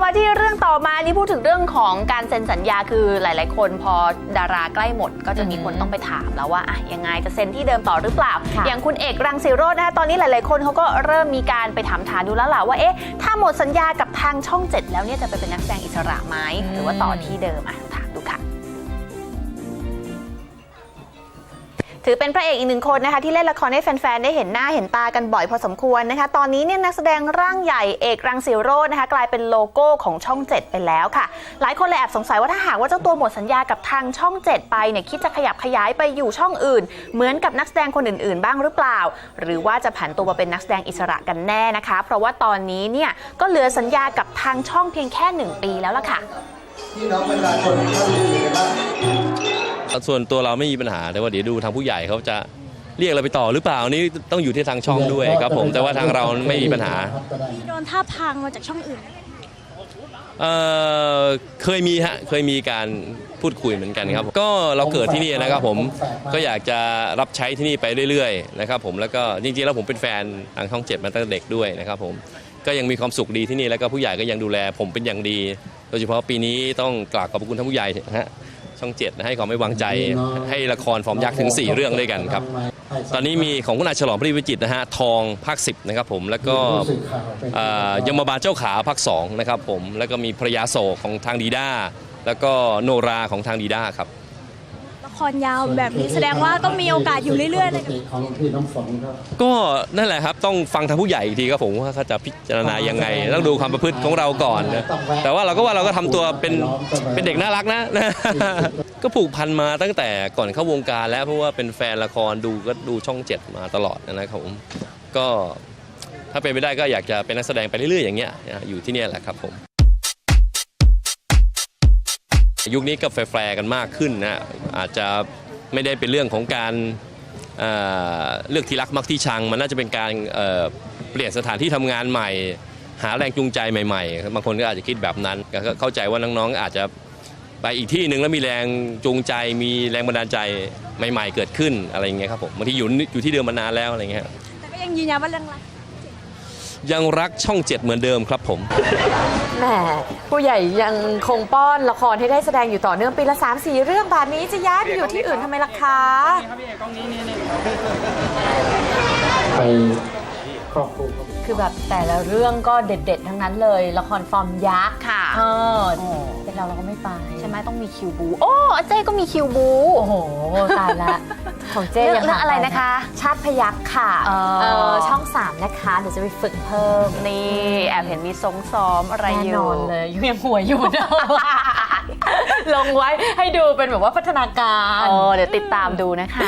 มาที่เรื่องต่อมานี่พูดถึงเรื่องของการเซ็นสัญญาคือหลายๆคนพอดาราใกล้หมดก็จะมีคนต้องไปถามแล้วว่าอะยังไงจะเซ็นที่เดิมต่อหรือเปล่าอย่างคุณเอกรังสิโรจน์นะคะตอนนี้หลายๆคนเขาก็เริ่มมีการไปถามดูแล้วล่ะว่าเอ๊ะถ้าหมดสัญญากับทางช่อง 7แล้วเนี่ยจะไปเป็นนักแสดงอิสระไหมหรือว่าต่อที่เดิมถามดูค่ะถือเป็นพระเอกอีกหนึ่งคนนะคะที่เล่นละครให้แฟนๆได้เห็นหน้าเห็นตากันบ่อยพอสมควรนะคะตอนนี้เนี่ยนักแสดงร่างใหญ่เอกรังสิโรจน์นะคะกลายเป็นโลโก้ของช่อง 7ไปแล้วค่ะหลายคนเลยแอบสงสัยว่าถ้าหากว่าเจ้าตัวหมดสัญญากับทางช่อง 7ไปเนี่ยคิดจะขยับขยายไปอยู่ช่องอื่นเหมือนกับนักแสดงคนอื่นๆบ้างหรือเปล่าหรือว่าจะผันตัวมาเป็นนักแสดงอิสระกันแน่นะคะเพราะว่าตอนนี้เนี่ยก็เหลือสัญญากับทางช่องเพียงแค่1 ปีแล้วล่ะค่ะพี่น้องประชาชนท่านอื่นกันบ้างส่วนตัวเราไม่มีปัญหาแต่ว่าเดี๋ยวดูทางผู้ใหญ่เขาจะเรียกเราไปต่อหรือเปล่านี่ต้องอยู่ที่ทางช่องด้วยครับผมแต่ว่าทางเราไม่มีปัญหาโดนท่าพังมาจากช่องอื่นเคยมีการพูดคุยเหมือนกันครับก็เราเกิดที่นี่นะครับผมก็อยากจะรับใช้ที่นี่ไปเรื่อยๆนะครับผมแล้วก็จริงๆแล้วผมเป็นแฟนทางช่อง 7มาตั้งแต่เด็กด้วยนะครับผมก็ยังมีความสุขดีที่นี่แล้วก็ผู้ใหญ่ก็ยังดูแลผมเป็นอย่างดีโดยเฉพาะปีนี้ต้องกราบขอบคุณท่านผู้ใหญ่นะฮะช่อง 7ให้ความไว้วางใจให้ละครฟอร์มยักษ์ถึง4 เรื่องด้วยกันครับตอนนี้มีของคุณอาฉลองพระวิจิตรนะฮะทองภาค 10นะครับผมแล้วก็ยมบาลเจ้าขาภาค 2นะครับผมแล้วก็มีพระยาโศกของทางดีด้าแล้วก็โนราของทางดีด้าครับละครยาวแบบนี้แสดงว่าต้องมีโอกาสอยู่เรื่อยๆเลยก็นั่นแหละครับต้องฟังทางผู้ใหญ่อีกทีครับผมว่าเขาจะพิจารณายังไงต้องดูความประพฤติของเราก่อนนะแต่ว่าเราก็ทำตัวเป็นเด็กน่ารักนะก็ผูกพันมาตั้งแต่ก่อนเข้าวงการแล้วเพราะว่าเป็นแฟนละครดูช่อง 7มาตลอดนะครับผมก็ถ้าเป็นไปได้ก็อยากจะเป็นนักแสดงไปเรื่อยๆอย่างเงี้ยอยู่ที่นี่แหละครับผมยุคนี้ก็แฟร์กันมากขึ้นนะอาจจะไม่ได้เป็นเรื่องของการเลือกที่รักมักที่ชังมันน่าจะเป็นการเปลี่ยนสถานที่ทำงานใหม่หาแรงจูงใจใหม่ๆบางคนก็อาจจะคิดแบบนั้นก็เข้าใจว่าน้องๆอาจจะไปอีกที่หนึ่งแล้วมีแรงจูงใจมีแรงบันดาลใจใหม่ๆเกิดขึ้นอะไรอย่างเงี้ยครับผมบางทีอยู่ที่เดิมมานานแล้วอะไรเงี้ยแต่ก็ยังยืนยันว่าเรื่องอะไรยังรักช่อง 7เหมือนเดิมครับผมแหมผู้ใหญ่ยังคงป้อนละครให้ได้แสดงอยู่ต่อเนื่องปีละ3-4 เรื่องแบบนี้จะย้ายไปอยู่ที่อื่นทำไมล่ะคะไปครอบครัวคือแบบแต่ละเรื่องก็เด็ดๆทั้งนั้นเลยละครฟอร์มยักษ์ค่ะเป็นเราก็ไม่ไปใช่ไหมต้องมีคิวบูโอ้เจ๊ก็มีคิวบูโอ้โหตายละของเจ๊ยังอะไรนะคะชาติพยัคฆ์ค่ะช่อง 3นะคะเดี๋ยวจะไปฝึกเพิ่มนี่แอบเห็นมีซ้อมอะไรอยู่แน่นอนเลยยังหัวอยู่เดิมลงไว้ให้ดูเป็นแบบว่าพัฒนาการเดี๋ยวติดตามดูนะคะ